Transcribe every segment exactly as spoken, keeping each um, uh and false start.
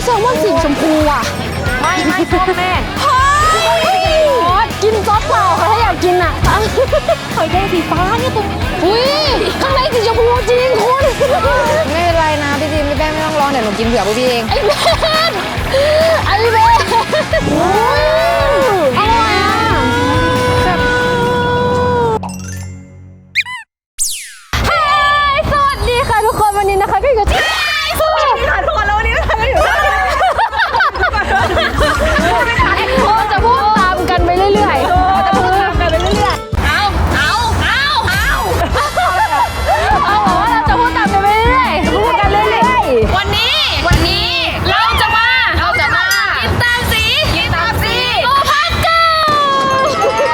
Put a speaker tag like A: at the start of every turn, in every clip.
A: แซลมอนสีชมพูอ่ะ
B: ไม่ไม่ชอบแม่
A: เฮ้ยกินซอสเปล่าค่ะถ้าอยากกินอ่ะ
B: ไข่แดงสีฟ้าเนี่ยตรงนี้
A: อุ้ยข้างในสีชมพูจริงคุณ
B: ไม่เป็นไรนะพี่ดิมพี่แป้งไม่ต้องร้องเดี๋ยวหนูกินเผื่อพวกพี่เอง
A: ไอ้เบนไอ้เบนอร่อยอ่ะสวัสดีค่ะทุกคนวันนี้นะคะก็อยู่ที่
B: สวัสดีค่ะทุกคนแล้ววันนี้นะคะก็อยู่ที่
A: เราจะพูดตามกันไปเรื่อยๆเราจะพูดตามกันไปเรื่อยๆเอาเอาเอาเอาเอาบอกว่าเราจะพูดตามกันไปเรื่อยๆพูดกันเรื่อยๆวันนี้วันนี้เราจะมาเราจะมากินตามสีกินตามสีโลพักเกิล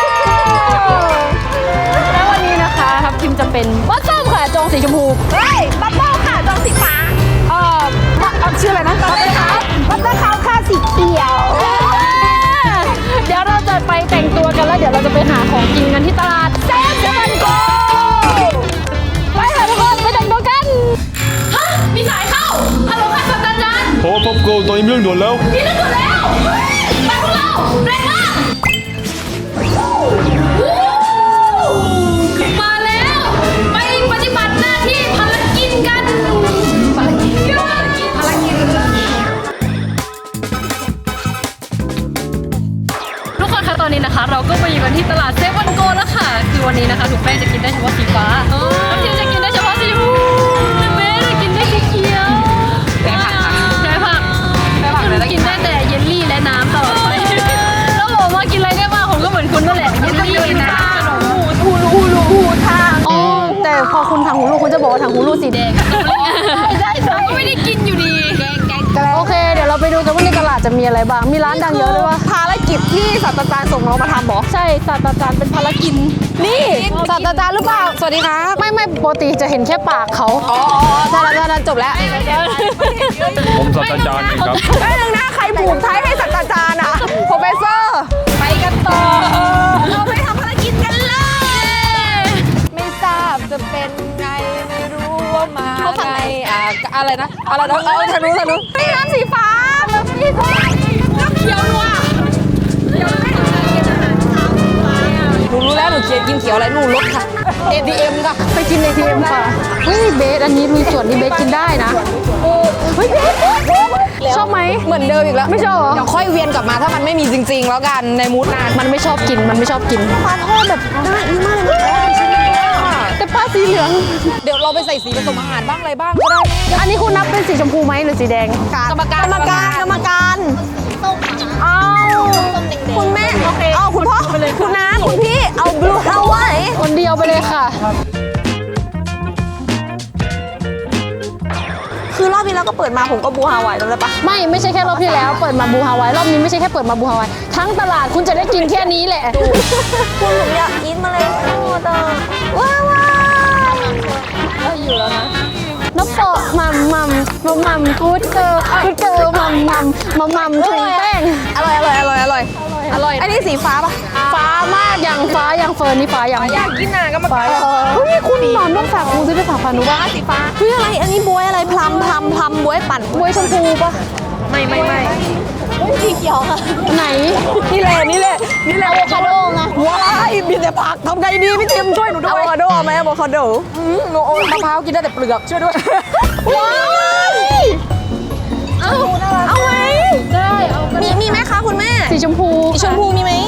A: แล้ววันนี้นะคะครับทีมจะเป็นบัตส้มค่ะจงสีชมพู
B: เฮ้ยบัตเติ้ลค่ะจงสีฟ้า
A: เอ่อชื่ออะไรนะบัตเติ้ลค่ะบัตเติ้ลขาวค่ะสีเขียวเดี๋ยวเราจะไปแต่งตัวกันแล้วเดี๋ยวเราจะไปหาของกินกันที่ตลาดเซฟวันโกไปค่ะทุกคนไปแต่งตัวกันฮะมีสายเข้าฮัลโหลค่ะสัตว์จันทร์
C: โอ้ป๊อปโกตอนนี้มีเรื่องด่วนแล้ว
A: มีเรื่องด่วนแล้วไปพวกเราเร่งมากมาแล้วไปปฏิบัติหน้าที่ภารกิจกันภารกิจภารกิจภารกิจทุกคนคะตอนนี้นะคะเราก็มาอยู่กันที่ตลาดเซฟวันโกแล้วค่ะคือวันนี้นะคะถูกแป้งจะกินได้เฉพาะสีฟ้าแล้วทีมจะกินได้เฉพาะสีชมพูแม่จะกินได้สีเขียวใช่ผักใช่ผักใช่ผักเลยกินได้แต่เยลลี่และน้ำตลอดไปแล้วบอกว่ากินอะไรได้บ้างผมก็เหมือนคุณนั่นแหละเยลลี่น้ำขนมหูรูหูรูหูทางอ๋อแต่พอคุณทางหูรูคุณจะบอกว่าทางหูรูสีแดงใช่ใช่ก็ไม่ได้กินอยู่ดีโอเคเดี๋ยวเราไปดูกันว่าในตลาดจะมีอะไรบ้างมีร้านดังเยอะเลยว่า
B: ภารกิจที่ศาสตราจารย์ส่งเรามาทำบอ
A: ใช่ศาสตราจารย์เป็นภารกิจ
B: นี่ศาสตราจารย์หรือเปล่าสวัสดีครับ
A: ไม่ไม่ปกติจะเห็นแค่ปากเขา
B: อ๋อศาสตราจารย์จบแล้ว
C: ผมศาสตราจารย์ครับ
B: ไอ้หนึ่งนะใครผูกไทยให้ศาสตราจารย์อะโปรเฟสเซอร์ไปกันต่อเราไปทำภารกิจกันเลยไม่ทราบจะเป็นไงไม่รู้ว่ามาไงอะอะไรนะอะไรนะเออทะลุทะลุนี่น้ำสีฟ้าน้ำสีฟ้าน้ำเขียวนัวเขียวไม่หนูรู้แล้วหนูเขียนกินเขียวอะไรหนูรถค่ะ เอ ที เอ็ม ค่ะ
A: ไปกิน เอ ที เอ็ม ค่ะเฮ้ยเบสอันนี้มีส่วนที่เบสกินได้นะเฮ้ยเบสชอบไหม
B: เหมือนเดิมอีกแล้ว
A: ไม่ชอบเหรอ
B: เดี๋ยวค่อยเวียนกลับมาถ้ามันไม่มีจริงๆแล้วกันในมูดนาน
A: มันไม่ชอบกินมันไม่ชอบกิน
B: ปลาทอดแบบน่าอีมากเลย
A: แต่ปลาสีเหลือง
B: เดี๋ยวเราไปใส่สีผสมอาหารบ้างอะไรบ้างก็ได้
A: อันนี้คุณนับเป็นสีชมพูไหมหรือสีแดง
B: กรรมการ
A: กรรมการกรรมการ
B: เอาคุณแม่เอาคุณพ่อคุณน้าคุณพี่เอาบลูฮาวาย
A: คนเดียวไปเลยค่ะ
B: คือรอบที่แล้วก็เปิดมาผมก็บูฮาวายจำได้ปะ
A: ไม่ไม่ใช่แค่รอบที่แล้วเปิดมาบูฮาวายรอบนี้ไม่ใช่แค่เปิดมาบูฮาวายทั้งตลาดคุณจะได้กินแค่นี้แหละ
B: คุณผมอยากกินมาเลยโอ้ตาว้าวว้าว
A: ก็อยู่แล้วนะน้ำโปะมัมมัมมัมมัมกูดเกอร์กูดเกอร์มัมมัมมัมมัมถุงแป้ง
B: อร่อยอร่อยอร่อยอร่อยอร่อยอันนี้สีฟ้าปะ
A: ฟ้ามากอย่างฟ้าอย่างเฟิร์นนี่ฟ้าอย่าง
B: อยากกินอ่ะก็มาฟ้า
A: เฮ้ยคุณหนอนต้องฝากคุณซื้อไปฝากฟันดูว่า
B: สีฟ้าเฮ้ยอะไรอันนี้บวยอะไรพลัมพลัมพลัมบวยปั่น
A: บวยชมพูปะ
B: ไม่ไม่ไม่
A: สีเขียวค่ะไหน
B: นี่แหละนี่แหละนี่แหละ
A: อะโวคาโดไง
B: ว้ายมีแต่ผักทำไงดีพี่ทิมช่วยหนูด้วยอะโวคาโดไหมอะโวคาโดหนูโอ้มะพร้าวกินได้แต่เปลือกช่วยด้วย
A: ว้ายเอา
B: เอาไหม
A: ได้เอา
B: มีมีไหมคะคุณแม่
A: สีชมพู
B: สีชมพูมีไหม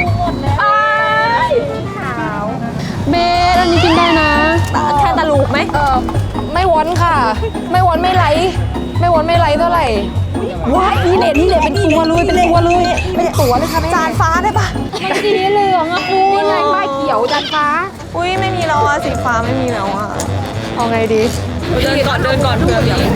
A: เบสอันนี้กินได้นะ
B: แค่ตะลูกไหมเออไม่วอนค่ะไม่วอนไม่ไหลไม่วอนไม่ไหลเท่าไหร่ว้ายนี่เลยนี่เลยเป็นตัวเลยเป็นตัวเลยเป็นตัวเลยค่ะจานฟ้าได้ปะ
A: มันสีเหลืองอะคุณ
B: นี่ไงป้ายเขียวจานฟ้าอุ้ยไม่มีแล้วอะสีฟ้าไม่มีแล้วอะ
A: เอาไงดี
B: เดินก่อนเดินก่อนเพื่อเดี๋ยว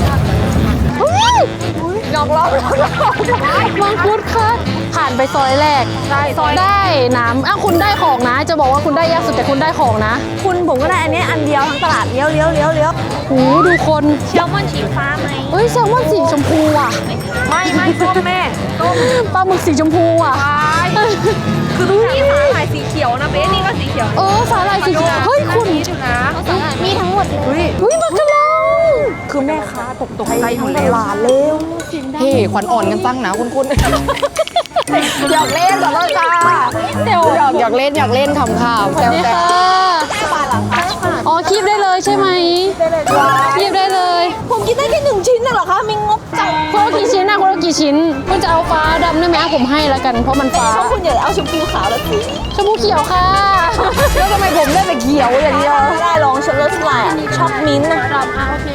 B: หยอกล้อ
A: มังคุดค่ะผ่านไปซอยแรกได้น้ำอ้าวคุณได้ของนะจะบอกว่าคุณได้ยากสุดแต่คุณได้ของนะ
B: คุณผมก็ได้อันนี้อันเดียวทั้งตลาดเลี้ยวเลี้ยวเลี้ยวเลี้ยว
A: โอ้ดูคน
B: แซลมอนสีฟ้าไหม
A: เฮ้ยแซลมอนสีชมพูอ่ะ
B: ไม่ไม่ส้มแม่ส้ม
A: ปลาหมึกสีชมพูอ่ะ
B: คือทุกที่สาหร่ายสีเขียวนะเบสนี่ก็สีเขียว
A: เออสาหร่ายสีเขียวเฮ้ยคุณ
B: มีทั้งหมดเลย
A: เฮ้ยมักกะลอง
B: คือแม่ค้าตกตกใจทั้งตลาดเร็วเฮ้ขวัญอ่อนกันตั้งนะคุณคุณหยอกเล่นกับเราจ้าหยอกหยอกเล่นหยอกเล่นขำๆแซว
A: นี่
B: แซ
A: ค่ะอ๋อคีบได้เลยใช่ไหมคีบได้เลย
B: ผมกินได้แค่หนึ่งชิ้นน่ะเหรอคะมีงบจัง
A: คุณเอากี่ชิ้นนะคุณเอากี่ชิ้นคุณจะเอาฟ้าดำได้ไหมผมให้แล้วกันเพราะมันฟ้า
B: ชอบคุณอย่าเอาชมพูขาวแล้วสิ
A: ชมพูเขียวค่ะ
B: แล้วทำไมผมได้แต่เขียวอย่างเดียวไม่ได้ลองฉันรสลายชอบมิ้นท์นะ
A: ดำอ่ะโอเค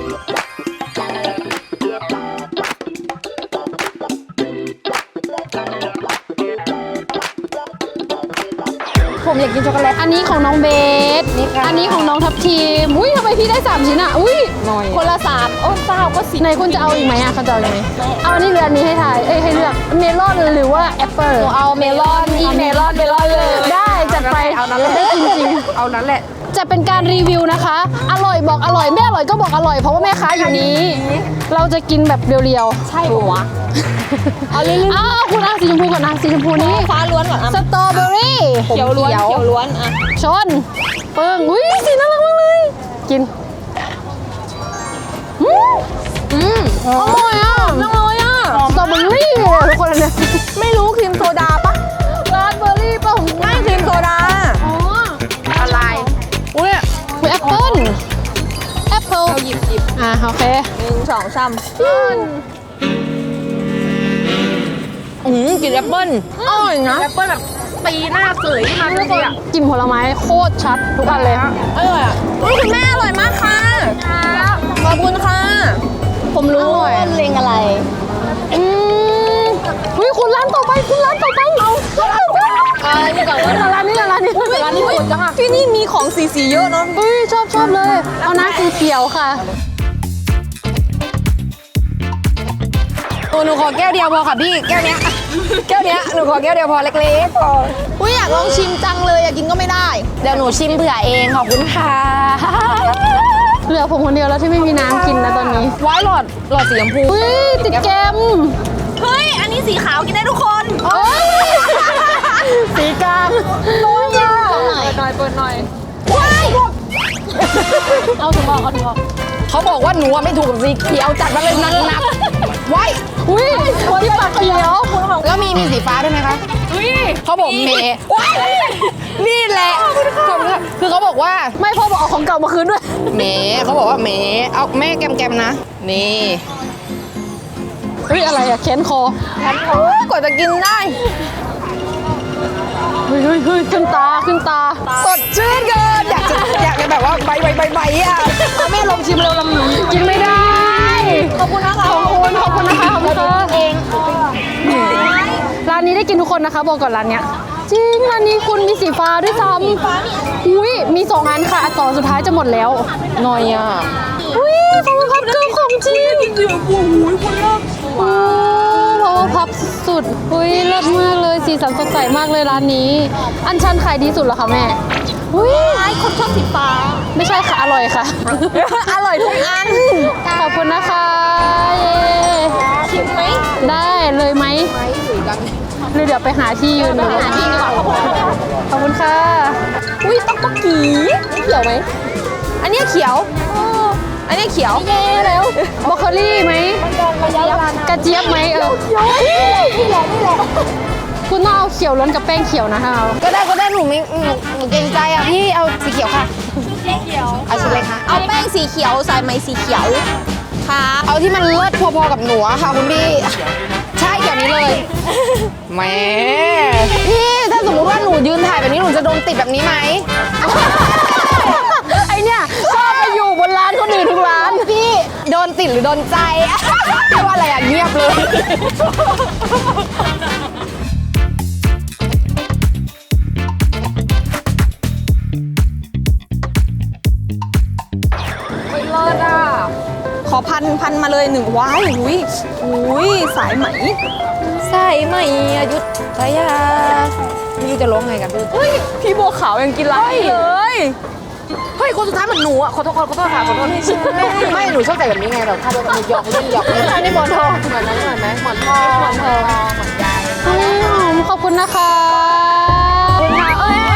B: ผมอยากกินช็อกโกแลต
A: อันนี้ของน้องเบส
B: นี่ค่ะ
A: อันนี้ของน้องทัพทีมอุ้ยทำไมพี่ได้สามชิ้นอ่ะอุ้ย
B: หน่อยคนละสามโอ้เปล่าก็สิ
A: ไหนคุณจะเอาอีกไหมอ่ะเขาจะเอาอีกไหมเอาอันนี้หรืออันนี้ให้ทายเอ้ยให้เลือกเมลอนหรือว่าแอปเปิล
B: เอาเมลอนอีเมลอนเมลอนเลย
A: ได้จัดไป
B: เอานั้นแหละ
A: ได้กินจริง
B: เอานั้นแหละ
A: จะเป็นการรีวิวนะคะ อร่อยบอกอร่อยไม่อร่อยก็บอกอร่อยเพราะว่าแม่ค้าอยู่นี้ เราจะกินแบบเรียวๆ
B: ใช่ปะวะ
A: เอาเรื่อยๆอ้าวคุณเอาสีชมพูก่อนนะสีชมพูนี้
B: ฟ้าล้วนก่อนอ่ะ
A: สตรอเบอรี่
B: เขียวล้วนเขียวล้วนอ่ะ
A: ชนเปิ้งอุ้ยสีน่ารักมากเลยกินอืม
B: อืม
A: อร่อยอ่ะ
B: อร่อยอ่ะ
A: สตรอเบอรี่เลยทุกคนอันเนี่ย
B: ไม่รู้ครีมโซดาปะ
A: ราสเบอร์รี่ป่ะ
B: ไม่ครีมโซดา
A: อ๋อ
B: อะไรอุ้ย
A: คือแอปเปิ้ลแอปเปิ้ล
B: เราหยิบหยิบ
A: อ่ะโอเค
B: หนึ่งสองสามอืมกินแอปเปิ้ลอร่อยนะแอปเปิ้ลแบบตีหน้าเสยมาเลยอ่ะ
A: กลิ่นผลไม้โคตรชัดทุกอันเลย
B: อร่อยอ่ะอุ้ยคุณแม่อร่อยมากค่ะขอบคุณค่ะ
A: ผมรู้
B: เลงอะไร
A: อืมอุ้ยคุณร้านต่อไปคุณร้านต่อไปเอา
B: อะไรนี่ก่อนว่า
A: ร้านนี้ร้านนี้ร้านนี้
B: โหดจังอ่ะที่นี่มีของสีสีเยอะเนาะ
A: อุ้ยชอบชอบเลย เอาน้ำสีเขียวค่ะ
B: โอ้หนูขอแก้วเดียวพอค่ะพี่แก้วเนี้ยแก้วเนี้ยหนูขอแก้วเดียวพอเล็กๆพออุ้ยอยากลองชิมจังเลยอยากกินก็ไม่ได้เดี๋ยวหนูชิมเผื่อเองขอบคุณค่ะ
A: เหลือผมคนเดียวแล้วที่ไม่มีน้ำกินนะตอนนี้
B: ไว้หลอดหลอดสีชมพู
A: อุ้ยติดแกม
B: เฮ้ยอันนี้สีขาวกินได้ทุกคน
A: โอ้ยสีกลาง
B: น้อยอ่ะเปิดหน่อยเปิดหน่อยว้าย
A: เอาถุงออกเอาถุงออก
B: เขาบอกว่าหนูอะไม่ถูกกับสีเขียวจัดมาเลยหนักหนักๆไว้
A: อุ้ยที่ปากเขียว
B: แล้วมีมีสีฟ้าด้วยไหมคะเขาบอกเมย์ว้ายนี่แหละคือเขาบอกว่า
A: ไม่พ่อบอกเอาของเก่ามาคืนด้วย
B: เมย์เขาบอกว่าเมย์เอาแม่แกมๆนะนี่
A: เฮ้ยอะไรอะแขนคอ
B: โอ้ยกว่าจะกินได้
A: เฮ้ยเฮ้ยเฮ้ยขึ้นตาขึ้นตา
B: สดชื่นเกินอยากจะอยากจะแบบว่าใบใบใบใบอ่ะ
A: เอาแม่ลองชิมเร็วลำหนูกินไม่ได้
B: ขอบคุณนะคะ
A: ขอบคุณขอบคุณนะคะขอบคุณค่ะเองร้านนี้ได้กินทุกคนนะคะบอกก่อนร้านเนี้ยจริงร้านนี้คุณมีสีฟ้าด้วยซ้ำอุ้ยมีสองอันค่ะอันต่อสุดท้ายจะหมดแล้ว
B: หน่อยอ่ะ
A: อุ้ยขอบคุณครับเกิร์ลของจริงโอ้พาวเวอร์พับสุดอุ้ยเลิศมากเลยสีสันสดใสมากเลยร้านนี้ อันชันขายดีสุดเหรอคะแม่อุ้ย
B: ไอ้คนชอบสีฟ้า
A: ไม่ใช่ค่ะอร่อยค่ะ
B: อร่อยทุกอัน
A: ขอบคุณนะคะเย้
B: ชิมไหม
A: ได้เลยไหมหรือเดี๋ยวไปหาที่ยืนดู
B: หาที่ดีกว่า
A: ขอบคุณค่ะ
B: อุ้ยต๊อกต๊อกกีเขียวไหมอันเนี้ยเขียวอันเนี้ยเขียวเย้แล้ว
A: บรอกโคลี่ไหมกระเจี๊ยบไหมเออ
B: นี่แหละนี่แหละ
A: คุณต้องเอาเขียวล้วนกับแป้งเขียวนะคะ
B: ก็ได้ก็ได้หนูไม่หนูหนูเกรงใจอ่ะพี่เอาสีเขียวค่ะสีเขียวเอาชุดเลยค่ะเอาแป้งสีเขียวใส่ไหมสีเขียวค่ะเอาที่มันเลิศพอๆกับหนูอะค่ะคุณพี่ใช่แบบนี้เลยแหมพี่ถ้าสมมติว่าหนูยืนถ่ายแบบนี้หนูจะโดนติดแบบนี้ไหม
A: ไอเนี่ยชอบไปอยู่บนร้านคนอื่นทุกร้าน
B: พี่โดนติดหรือโดนใจไม่ว่าอะไรอ่ะเงียบเลยไม่เลิศอ่ะขอพันพันมาเลยหนึ่งว้ายหุยหุยสายไหมสายไหมอายุทยาไม่รู้จะร้องไงกันเฮ้ยพี่บัวขาวยังกินไรเลยเฮ้ยคนสุดท้ายเหมือนหนูอ่ะขอโทษขอโทษค่ะขอโทษไม่หนูชอบใส่แบบนี้ไงแบบถ้าเราจะหยอกเล่นหยอกเล่นอันนี้หมอนทองเหมือนนั้นเหมือนไหมหมอนทองหมอนทองเหมือนยาย
A: อืมขอบคุณนะคะ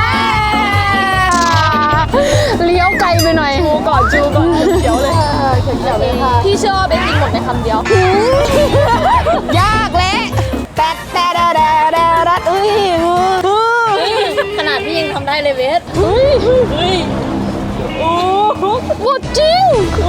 A: เลี้ยวไกลไปหน่อย
B: จูก่อนจูก่อนเขียวเลย
A: พี่เชื่อว่าเบสกินหมดในคำเดียวย
B: ากและแต่แต่ดาดาดาดาอุ้ย
A: ขนาดพี่ยังทำได้เลยเบสเฮ้ยเฮ้ยโอ้หมดจริงโอ้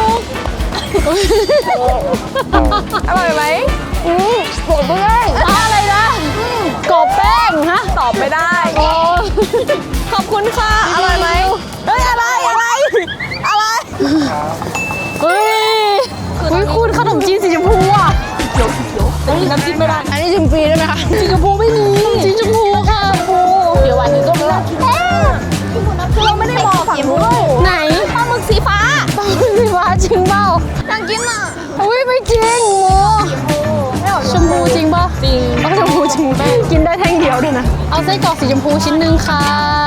B: อร่อยไหมอืมโหดด้วย
A: อะไรนะกรอบแป้งฮะ
B: ตอบไม่ได้
A: โอ้
B: ขอบคุณค่ะ อร่อยไหมเฮ้ย อะไร อะไร อะไร
A: เฮ้ยเฮ้ยคุณขนมจีนสีชมพูอ่ะเขียวเขียวแต่กินน้ำจิ้มไม่ได้
B: อันนี้ชิมฟรีได้ไหมคะ
A: สีชมพูไม่มีสีชมพูค่ะปูเดี๋ยววันนี้ก็ไม่ได้
B: คือเราไม่ได้บอกฝั่งนู้น
A: ไหน
B: ปลาหมึกสีฟ้า
A: ปลาหมึกสีฟ้าจริงเปล่า
B: น่ากินอ่ะ
A: อุ้ยไม่จริงโมชมพูจริงป่ะจริงต้องชมพูจริงกินได้แท่งเดียวด้วยนะเอาไส้กรอกสีชมพูชิ้นหนึ่งค่ะ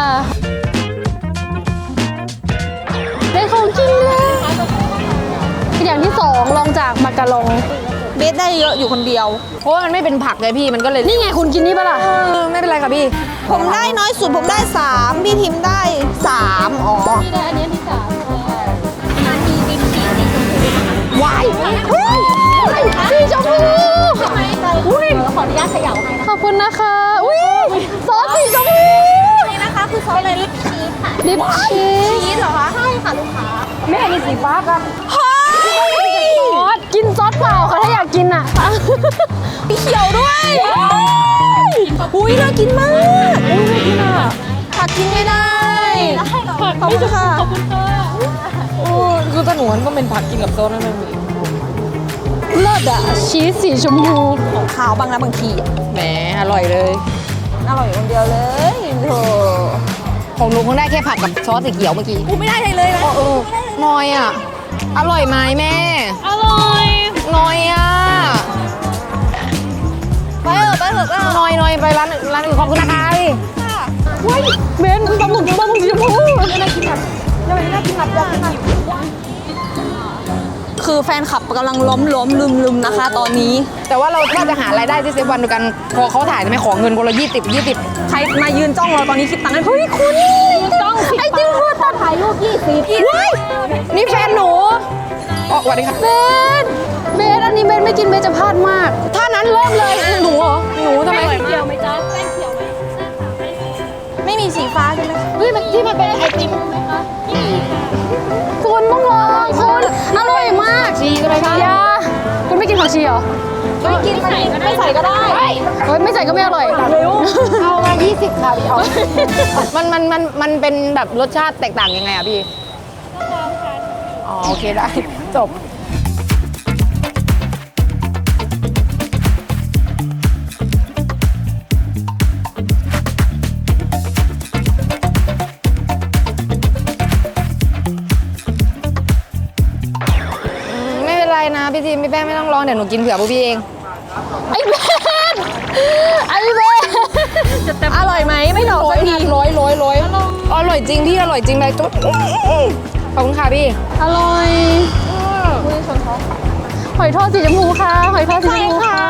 A: ได้ของกินแล้วอย่างที่สองลองจากมักกะลอง
B: เบสได้เยอะอยู่คนเดียว เพราะว่ามันไม่เป็นผักเลยพี่ มันก็เลย
A: นี่ไงคุณกินนี่ปะล่ะ
B: เออไม่เป็นไรค่ะพี่ ผมได้น้อยสุดผมได้สามพี่ทิมได้สามอ๋อ
A: นี่ได้อันนี้ที่สาม
B: วาย
A: สีชมพู
B: อุ้ยขออนุญาตเขย่าให้
A: ขอบคุณนะคะอุ้ยซอสสีชมพู
B: นี่นะคะคือซอสอะไรลิปชีสค่ะ
A: ดิปชีส
B: ชีสเหรอคะใช่ค่ะลูกค้าแม่มีสีฟ้าค่ะเฮ้ย
A: ซอสกินซอสเปล่าค่ะถ้าอยากกินอ่ะ
B: มีเขียวด้วยอุ้ยน่ากินมากอุ้ยน่ากินอ่ะผักกินไม่ได้ขอบคุณค่ะ
A: ขอบคุณค่ะ
B: โอ้คือตะหนวนก็เป็นผักกินกับโซนนั่นเอง
A: เลิศอ่ะชีสสีชมพู
B: ของขาวบางนะบางทีอะแหมอร่อยเลย อร่อยคนเดียวเลยโธ่ของหนูคงได้แค่ผักกับซอสสีเขียวเมื่อกี้กูไม่ได้เลยเลยนะเออน้อยอ่ะ อร่อยไหมแม่
A: อร่อย
B: น้อยอ่ะไปเถอะไปเถอะไปเถอะน้อยน้อยไปร้านอื่นร้านอื่นขอบคุณนะคะพี่
A: ว้ายเบนปลาหมึกปลาหมึกสีชมพู
B: คือแฟนคลับกำลังล้มล้มลืมลืมนะคะ ตอนนี้ แต่ว่าเราถ้าจะหารายได้ที่เซฟวันด้วยกันพอเขาถ่ายจะไม่ขอเงินคนละยี่สิบยี่สิบใครมายืนจ้องเราตอนนี้คิดตังค์ให้เฮ้ยคุณจ้องไอ้จิ้งพูดตอนถ่ายรูปยี่สิบนี่แฟนหนูอ๋อสวัสดีค่ะ
A: เบนเบนอันนี้เบนไม่กินเบนจะพลาดมาก
B: ถ้านั้นเริ่มเลยหนูเหรอหนูทำไม
A: เขียวไหมจ๊ะแป้งเขียวไหม
B: ไม่มีสีฟ้าใช่ไหม
A: เฮ้ยมันที่มันเป็นไอติมไหมคะคุณต้องลองคุณอร่อยมาก
B: ชีใช่ไหมคะ
A: ยาคุณไม่กินผักชีเหรอ
B: ไม่กินไม่ใส่ก็ได้
A: เฮ้ยไม่ใส่ก็ไม่อร่อย
B: เอามายี่สิบค่ะพี่เอามันมันมันมันเป็นแบบรสชาติแตกต่างยังไงอ่ะพี่อ๋อโอเคได้จบไม่เป็นไรนะพี่ทีมพี่แป้งไม่ต้องร้องเดี๋ยวหนูกินเผื่อพวกพี่เอง
A: ไอ้เบนไอ้เบน
B: อร่อยไหมไม่หลอกสักทีร้อยร้อยร้อยอร่อยจริงพี่อร่อยจริงเลยจุ๊บขอบคุณค่ะพี่
A: อร่อยหอยทอดสีชมพูค่ะหอยทอดสีชมพูค่ะ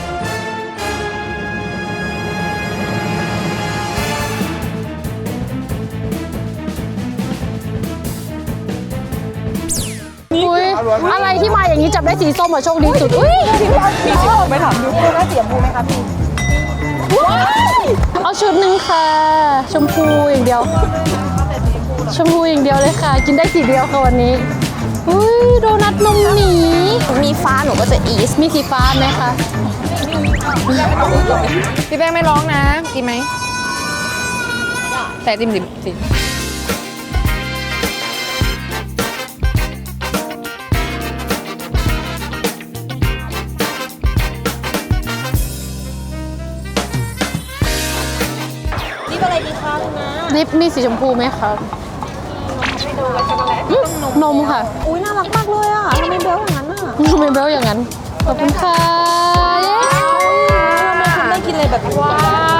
A: อุ๊ยอะไรที่มาอย่างนี้จับได้สีส้มอะโชคดีสุดอุ้ย
B: มีสีไม่ถามดูพี่ได้เสียบูไหมคะพี่
A: เอาชุดหนึ่งค่ะ ชมพูอย่างเดียว ชมพูอย่างเดียวเลยค่ะ กินได้สีเดียวค่ะวันนี้อุ้ยโดนัทนมหนี
B: มีฟ้าหนูก็จะอีส
A: มีสีฟ้าไหมคะ
B: พี่แป้งไม่ร้องนะกินไหมแต่ติมสิสินี่อะไรดีคะคุณนะ
A: ลิปมีสีชมพูไหมคะอืมนมค่ะ
B: อุ้ยน่ารักมากเลยอ่ะทำไมเบลอย่างนั้นอ่ะ
A: ทำไมเบลอย่างนั้น ขอบคุณค่ะเย้
B: ไม่กินเลยแบบว้า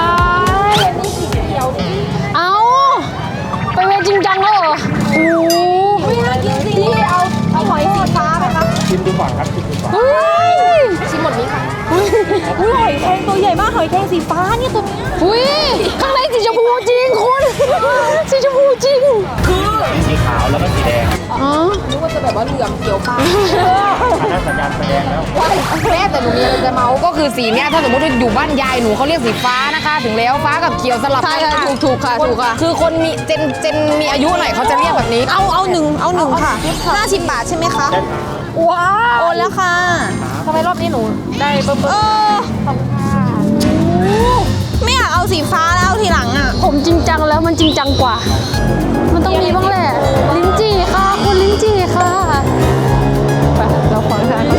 A: เอาไปเวรจริงจังแล้วเหรอโอ้
B: ไม่น่ากินสิพี่เอาเอาหอยสีฟ้าไหมคะ
C: ชิมดูก่อนครับชิมดูก่อน
A: เฮ้ย
B: ชิมหมดนี้ค่ะอุ้ยหอยแครงตัวใหญ่มากหอยแครงสีฟ้าเนี่ยตัวเนี้ย
A: อุ้ยข้างในสีชมพูจริงคุณ สีชมพูจริง
B: คือ
D: มีสีขาวแล้วก็สีแดง
A: อ๋อ
B: นึกว่าจะแบบว่าเหลืองเขียวฟ้า
D: อันนั้นสัญญาณไฟแดงแล้ว
B: แม่แต่หนูมีอะไรจะเมาก็คือสีเนี้ยถ้าสมมติว่าอยู่บ้านยายหนูเขาเรียกสีฟ้านะคะ ถึงแล้วฟ้ากับเขียวสลับ
A: ใช่
B: กัน
A: ค่ะถูกถูกค่ะถูกค่ะ
B: คือคนมีเจนเจนมีอายุหน่อยเขาจะเรียกแบบนี้
E: เอาเอาหนึ่งเอาหนึ่งค่ะห้าสิบบาทใช่ไหมคะ
B: ว้าว
E: โอนแล้วค่ะ
B: ทำไมรอบนี้หนูได้เบิ้ม
E: เออไม่อยากเอาสีฟ้าแล้วเอาทีหลังอ่ะ
A: ผมจริงจังแล้วมันจริงจังกว่า มันต้องมีบ้างแหละ ลิ้นจี่ค่ะ คุณลิ้นจี่ค่ะ ไป เราขอทาน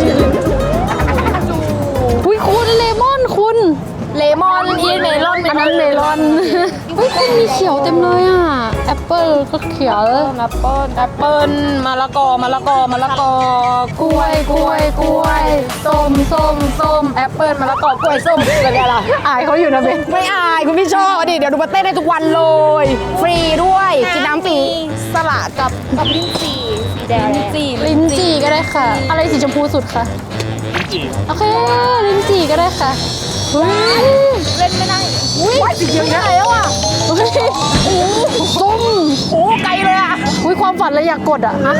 A: อุ้ยคุณเลมอนคุณ
B: เลมอนอีเมลอน
A: อันนั้นเมลอนอุ้ยคุณมีเขียวเต็มเลยอ่ะ แอปเปิลก็เขียว
B: แอปเปิ้ลแอปเปิ้ลมะละกอมะละกอมะละกอก
A: ล้วยกล้วยกล้วยส้มส้มส้ม
B: แอปเปิ้ลมะละกอกล้วยส้มอะไรล่ะ
A: อายเขาอยู่นะเบน
B: ไม่อายคุณพี่ชอบดิเดี๋ยวดูมาเต้นได้ทุกวันเลย ฟรีด้วยกินน้ำฟรี
E: สลัดกับกับลิ้นจี่สีแดง
B: จี
A: ลิ้นจี่ก็ได้ค่ะ อะไรสีชมพูสุดค่ะโอเคลิ้นจี่ก็ได้ค่ะเฮ้ย
E: เล่นไม่ได้
B: อุ้ยสีเขียวใหญ่แล้วอ่ะ
A: เฮ้ยส้ม
B: โอ้ไกลเลยอ่ะ
A: อุ้ยความฝันเลยอยากกดอ่ะฮะ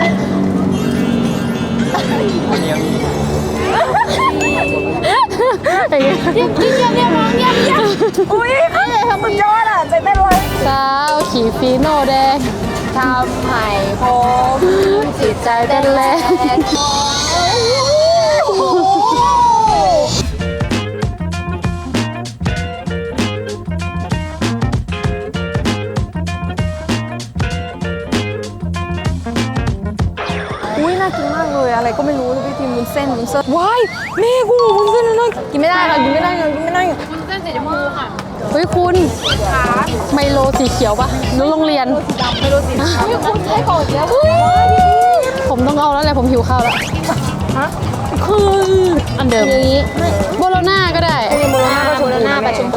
A: อย่างเงี้ย
B: เยี่ยมเยี่ยมเยี่ยมเยี่ยมเยี่ยมอุ้ยเอ้ยทำมันยอดอ่ะใจเต้นเลย
A: สาวขี่ฟีโน่แดง
B: ทำให้ผม
A: จิตใจเต้นแรง
B: อุ้ยน่ากินมากเลยอะไรก็ไม่รู้เลยพี่ทีมวุ้นเส้นวุ้นเส้นว้ายแม่กูวุ้นเส้นนั่นกินไม่ได้ค่ะกินไม่ได้ค่ะกินไม่ได้
A: เฮ้ยคุณไมโลสีเขียวปะนู้นโรงเรียน
B: ไม่รู้สิพี่คุณใช้ก่อนแล้ว
A: ผมต้องเอาแล้วแหละผมหิวข้าวแล้วคืออันเดิมนี้โบโลน่าก็ได้
B: โบโลน่าก็ชมพูหน้าแบบชมพู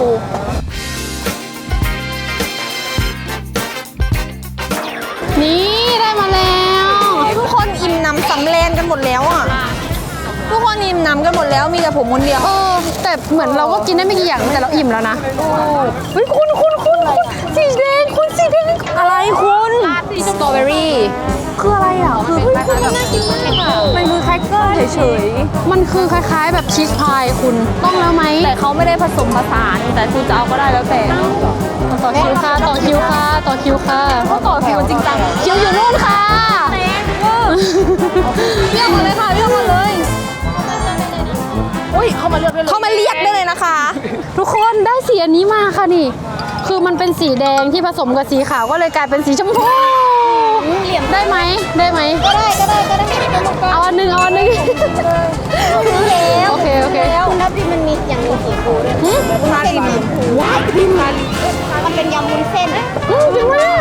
A: นี่ได้มาแล้ว
E: ทุกคนอิ่มหนำสำเร็จกันหมดแล้วอ่ะ ทุกคนอิ่มหนำกันหมดแล้วมีแต่ผมคนเดียว
A: เออแต่เหมือนเราก็กินได้ไม่กี่อย่างแต่เราอิ่มแล้วนะเฮ้ยคุณคุณคุณคุณสีแดงคุณสีแดง
B: อะไรคุณสตรอเบอรี่
A: คืออะไรอ่ะคือมันน่ากินมากอ่ะ
B: มันคือแครกเกอร์เฉย
A: มันคือคล้ายๆ แบบชีสพายคุณต้องแล้วไหม
B: ๆแต่เขาไม่ได้ผสมผสานแต่คุณจะเอาก็ได้แล้วแต่
A: ต่อคิวค่ะต่อคิวค่ะต่อคิวค่ะ
B: เขาต่อคิวจริงจัง
A: คิวอยู่นู่นค่ะ
B: เรียกมาเลยค่ะเรียกมาเลยอุ้ยเขามาเลือกด้วย
E: เขามาเรียกได้เลยนะคะ
A: ทุกคนได้สีอันนี้มาค่ะนี่ คือมันเป็นสีแดงที่ผสมกับสีขาวก็เลยกลายเป็นสีชมพูได้ไหมได้ไหม
E: ก็ได้ก็ได้ก็ได้
A: เอาอันหนึ่งเอาอันหนึ่ง
E: แล้ว
A: โอเคโอเค
E: คุณทับทิมมันมีอย่างหนึ่งสีฟูด้วยคุณทับทิมว้ายทิมมันเป็นยำวุ้นเส้น
A: อืมจริงไหมอ่ะ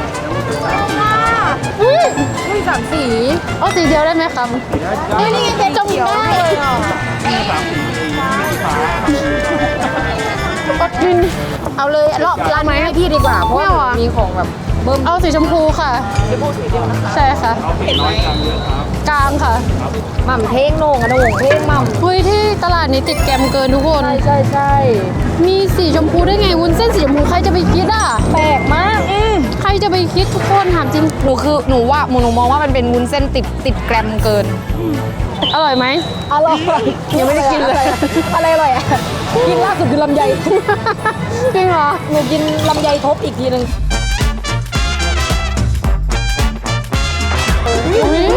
A: อุ้ย
B: อุ้ยสามสี
A: เอาสีเดียวได้ไหมครับ
E: นี่นี่ไงเป็นจมได้
A: อดกิน
B: เอาเลยรอบร้านนี้ให้พี่ดีกว่าเพราะว่า
A: ไม่เอาอะ
B: มีของแบบเบิ้ม
A: เอาสีชมพูค่ะใช่ค่ะกลางค่ะ
B: หม่ำเท่งโหน่งอะโหน่งเท่งหม่
A: เฮ้ยที่ตลาดนี้ติดแกรมเกินทุกคน
B: ำใช่ใช่
A: มีสีชมพูได้ไงวุ้นเส้นสีชมพูใครจะไปคิดอ่ะ
B: แปลกมากอืม
A: ใครจะไปคิดทุกคนถามจริง
B: หนูคือหนูว่าหนูมองว่ามันเป็นวุ้นเส้นติดติดแกรมเกิน
A: อร่อยไหม
B: อร่อยยังไม่ได้กินเลยอะไรอร่อยอ่ะกินล่าสุดคือลำไย
A: จริงเหรอ
B: หนูกินลำไยทบอีกทีหนึ่ง
A: อุ๊ย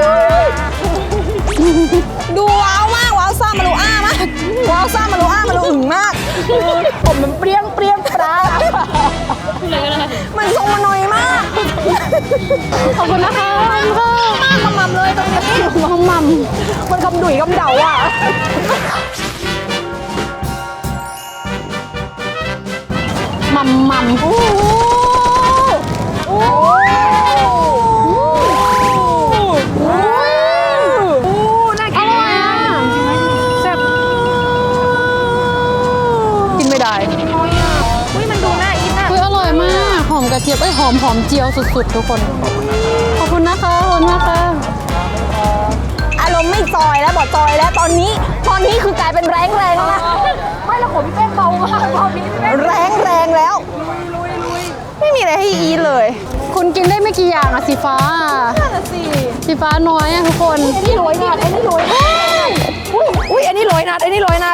E: ดูว้าวมากว้าวซ่ามารูอ้ามากว้าวซ่ามารูอ้ามารูอึ่งมาก
B: ผมมันเปรี้ยงเปรี้ยงปลา
E: มันทรงมันน้อยมาก
A: ขอบคุณนะคะขอบคุณค่ะ
E: มากขมำเลยตรงนี้
A: มัมมัม
B: มันคำดุยคำเดาอ่ะ
A: มัมมัม
B: โอ้โหโอ้โหน่า
A: อ
B: กิน
A: ร่อยอ่ะแซ่บกินไม่ได้
B: อุ้ยมันดูน่ากินอ่ะ
A: เฮ้ยอร่อยมากหอมกระเทียมเอ้ยหอมหอมเจียวสุดๆทุกคนขอบคุณนะคะขอบคุณมากค่ะ
E: อารมณ์ไม่จอยแล้วบอกจอยแล้วตอนนี้ ตอนนี้คือกลายเป็นแรงแรงแล้วนะ
B: ไม่ละขมพี่แป้งเบามากรอบนี้พี่แป้ง
E: แรงแรงแล้ว ไม่มีอะไรให้อีทเลย
B: แ
A: คุณกินได้ไม่กี่อย่างอะสีฟ้าสีฟ้าน้อยอะทุกคน
B: อันนี้โรยนัดอันนี้โรยนัดอุ้ยอุ้ยอันนี้โรยนัดอันนี้โรยนัด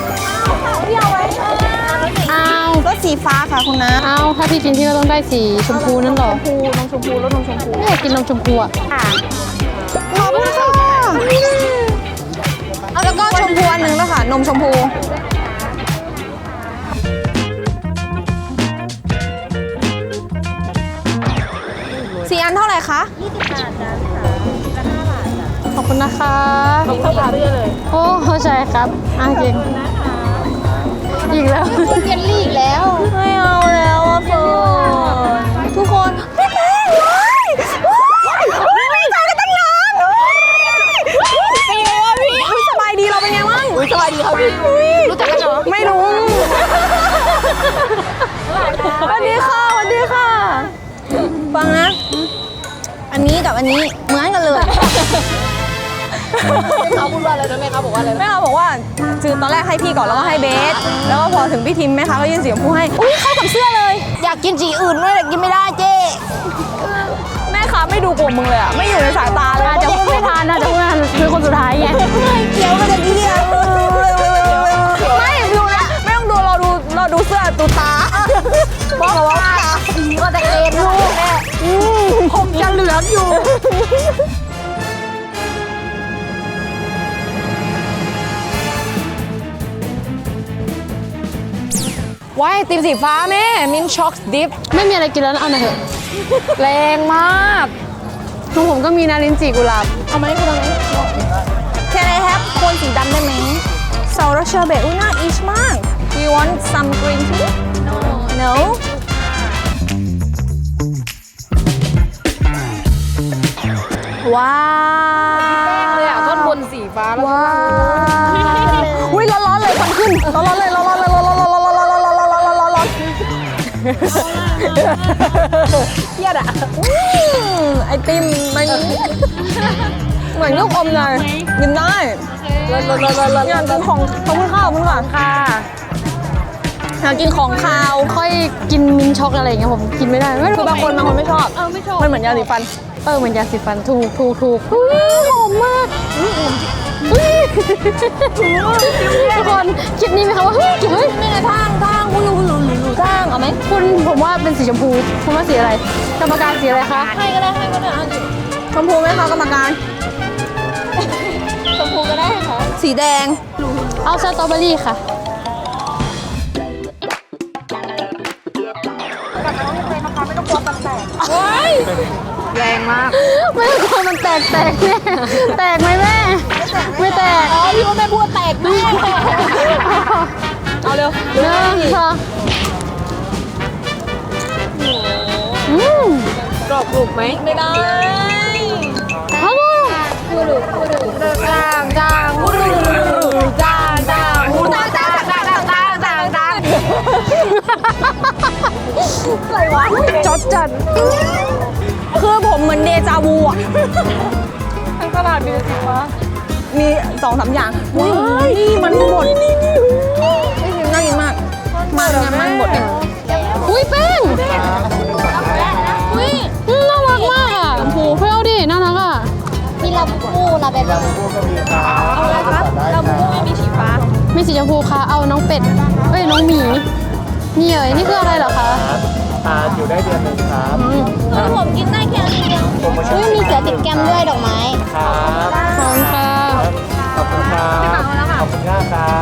A: อ้าว
B: รสสีฟ้าค่ะคุณนะ
A: อ้าวถ้าพี่กินพี่ก็ต้องได้สีชมพูนั่นเหรอ
B: ชมพูนมชมพูรสนมชมพู
A: ไม่อยากกินนมชมพูอะ
B: ขอบคุณค่ะเอาแล้วก็ชมพูอันหนึ่งแล้วค่ะนมชมพูสี่อันเท่าไหร่คะ
A: ขอบคุณนะคะโอ้เข้าใจครับอ่ะเก่งอีกแล้ว
E: เยลลี่อีกแล้ว
B: ไม่เอาแล้วอะเฟิร์นทุกคนพี่แป้งว้ายว้ายไม่เจอกันตั้งนานเป็นไงวะพี่สบายดีเราเป็นไงบ้างสบายดีครับพี่รู้จักกันเหรอไม่รู้สวัสดีค่ะสวัสดีค่ะฟังนะอันนี้กับอันนี้เหมือนกันเลยเขาพูดว่าอะไรนะแม่เขาบอกว่าอะไรแม่เขาบอกว่าคือตอนแรกให้พี่ก่อนแล้วก็ให้เบสแล้วก็พอถึงพี่ทิมแม่ค้าก็ยื่นสีชมพูให้อุ้ยเข้ากับเสื้อเลย
E: อยากกินสีอื่นด้วยแต่กินไม่ได้เจ๊
B: แม่ค้าไม่ดูกลุ่มมึงเลยอ่ะไม่อยู่ในสายตาเลย
A: อาจจะพูดไม่ทันอาจจะพูดไม่ทันคือคนสุดท้ายไง
E: เดี๋ยวมันจะดีอ่ะ
B: ไม่ดูนะไม่ต้องดูเราดูเราดูเสื้อดูตาบอกเราว่าตา
E: ก็แต่เอ็นลูกแม่
B: ผมจะเหลืองอยู่ว้ายไอติมสีฟ้าแม่มินช็อกดิฟ
A: ไม่มีอะไรกินแล้วนะเอาหน่อยเถอะ
B: แรงมาก
A: ของผมก็มีนารินจีกุหลาบ
B: เอามาให้คุณตรงนี้ Can I have โคนสีดำได้ไหมซาร์เชอร์เบตอุ้ยน่าอิชมาก Do you want some green tea No No ว้าว
A: เลยอ่ะท่อนบนสีฟ้าแล้ว
B: ว้าวอุ้ยร้อนๆเลยควันขึ้นร้อนๆเลยร้อนๆเลยร้อนๆร้อนๆร้อนๆร้อนๆร้อนๆร้อนๆร้อนๆร้อนๆเครียดอ่ะอืมไอติมมันเหมือนลูกอมเลยกินได้อยากกินของขอบคุณค่ะขอบคุณค่ะ
A: ค่ะ
B: อยากกินของคาว
A: ค่อยกินมินช็อกอะไรอย่างเงี้ยผมกินไม่ได้ไม่รู้
B: คือบางคนบางคนไม่ชอบ
A: เออไม่ชอบ
B: มันเหมือนยาสีฟัน
A: เออเหมือนยาสีฟันถูกถูกถูกอุ๊ยหอมมากอุ๊ยทุกคนคิดนี่ไหมคะว่าเฮ้ยเฮ้ย
B: ไม่ไงทางทางคุณรู้รู้รู้ทางเอาไหม
A: คุณผมว่าเป็นสีชมพูคุณว่าสีอะไรกรรมการสีอะไรคะ
B: ให้ก็ได้ให้ก็ได้เอาดิชมพูไหมคะกรรมการ
E: ชมพูก็ได้ค่ะ
B: สีแดง
A: เอาสตรอเบอรี่ค่ะ
B: แรงมาก
A: ไม่ต้องกลัวมันแตกแตกแน่แตกไหมแม่ไม่แตก
B: อ๋อพี่ว่าแม่พูดแตกแม่เอาเร็ว
A: เนื้อค่ะอืม
B: กรอบกรุบไหมไม่ได้
A: ฮัลโหล
B: จางจางพูดจางจางพูดจางจางจางจางจางจางจางอะไรวะจดจัดคือผมเหมือนเดจาวูอ่ะทั้งตลาดมีสิฟ้ามีสองสามอย่างว้ายนี่มันหมดนี่นี่นี่น่ากินมากมันงานมันหมดเนี่ย
A: อุ้ยแป้งอุ้ยอืมน่ารักมากอ่ะโอ้โหเพื่อนดิน่ารักอ่ะ
E: มีลาบูบูลาเบเบอร์
B: เอาอะไรครับเราพูดไม่มีสีฟ้า
A: มีสีชมพูค่ะเอาน้องเป็ดเอ้ยน้องหมีนี่เอ๋ยนี่คืออะไรเหรอคะ
D: ทานอยู่ได้เดือนหนึ่งครับ
B: คือผมกินได้แค่นี้เดียว
D: โปรโมชั่น
E: อุ้ยมีเสือติดแก้มด้วยดอกไม้
D: ครับ
A: ขอบคุณค่ะ
D: ขอบคุณครับขอบคุณมากครับ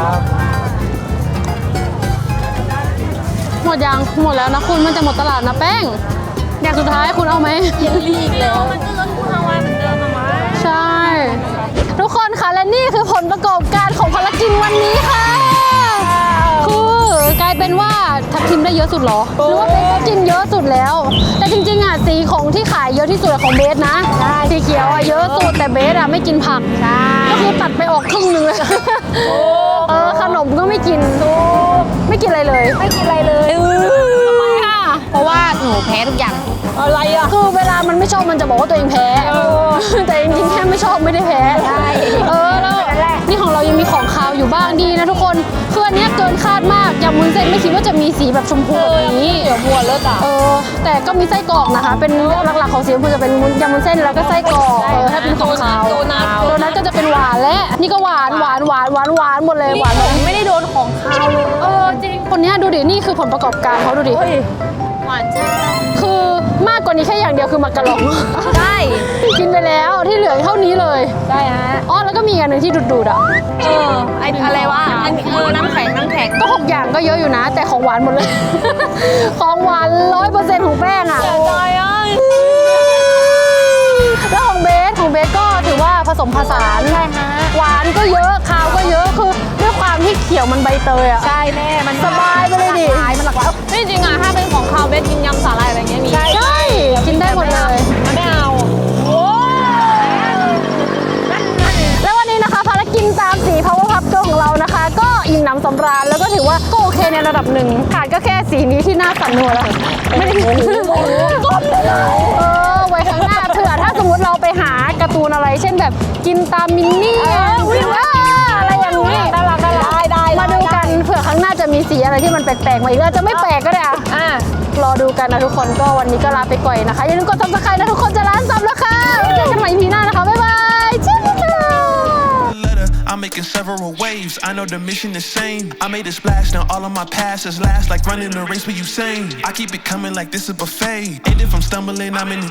A: หมดยังหมดแล้วนะคุณมันจะหมดตลาดนะแป้งอย่างสุดท้ายคุณเอาไหม
B: ลีกแล้วมันก็รสกูฮาวายเหมือนเดิมอะมั้ย
A: ใช่ ทุกคนค่ะและนี่คือผลประกอบการของภารกิจวันนี้ค่ะคือกลายเป็นว่าทัพทิมได้เยอะสุดเหรอหรือว่าเบสก็กินเยอะสุดแล้ว แต่จริงๆอ่ะสีของที่ขายเยอะที่สุดอะของเบสนะสีเขียวอ่ะเยอะสุดแต่เบสอ่ะไม่กินผักก็คือตัดไปออกครึ่งหนึงเลยเออขนมก็ไม่กินไม่กินอะไรเลยไม่กินอะไรเลยทำไมอ่ะ
E: เพราะว่าหนูแพ้ทุกอย่าง
B: อะไรอ่ะ
A: คือเวลามันไม่ชอบมันจะบอกว่าตัวเองแพ้ แต่จริงๆแค่ไม่ชอบไม่ได้แพ้
E: ใช่
A: เออแล้วนี่ของเรายังมีของคาวอยู่บ้างดีนะทุกคนคืออันเนี้ยเกินคาดมากยำวุ้นเส้นไม่คิดว่าจะมีสีแบบชมพูแบบนี้เดี๋ยวบัวเลิศอ่ะเออแต่ก็มีไส้กรอกนะคะเป็นหลักๆของสีชมพูจะเป็นยำวุ้นเส้นแล้วก็ไส้กรอกเออถ้าเป็นของขาวโดนัทโดนัทก็จะเป็นหวานและนี่ก็หวานหวานหวานหวานหวานหมดเลยหวานไม่ได้โดนของขาวเลยเออจริงคนนี้ดูดินี่คือผลประกอบการเขาดูดิหวานใช่คือมากกว่านี้แค่อย่างเดียวคือมักกะลองใช่กินไปแล้วที่เหลือเท่านี้เลยใช่ฮะอ๋อแล้วก็มีอันหนึ่งที่ดูดๆอ่ะเออไออะไรวะอันเออน้ำแข็งน้ำแข็งก็หกอย่างก็เยอะอยู่นะ แต่ของหวานหมดเลย ของหวานร้อยเปอร์เซ็นต์ของแป้งอ่ะใจอ่ะแล้วของเบสของเบสก็ถือว่าผสมผสานใช่ฮะหวานก็เยอะคาวก็เยอะคือด้วยความที่เขียวมันใบเตยอ่ะใช่แน่มันสบายไปเลยดิมันหลากหลายจริงๆอ่ะถ้าเป็นของคาวเบสกินยำสาหร่ายอะไรเงี้ยมีใช่กินได้หมดเลยไม่เอาแล้ววันนี้นะคะภารกิจตามสี power pup girl ของเรานะคะ ก็อิ่มหนำสำราญแล้วก็ถือว่าก็โอเคในระดับหนึ่งขาดก็แค่สีนี้ที่หน้าสั่นหัวแล้วไม่ได้ก้มเลยเออไว้ข้างหน้าเผื่อถ้าสมมติเราไปหาการ์ตูนอะไรเช่นแบบกินตามมินนี่อะไรอย่างนี้น่ารักน่ารักได้มาดูกันเผื่อข้างหน้าจะมีสีอะไรที่มันแปลกๆมาอีกแล้วจะไม่แปลกก็ได้อ่ะรอดูกันนะทุกคนก็วันนี้ก็ลาไปก่อนนะคะอย่าลืมกดซับสไครต์นะทุกคนจะล้านซับแล้วค่ะไว้เจอกันใหม่ อี พี หน้านะคะบ๊ายบายชิคกี้
F: I'm making several waves, I know the mission is same. I made a splash, now all of my passes last like running a race with Usain. I keep it coming like this is a buffet. And if I'm stumbling, I'm in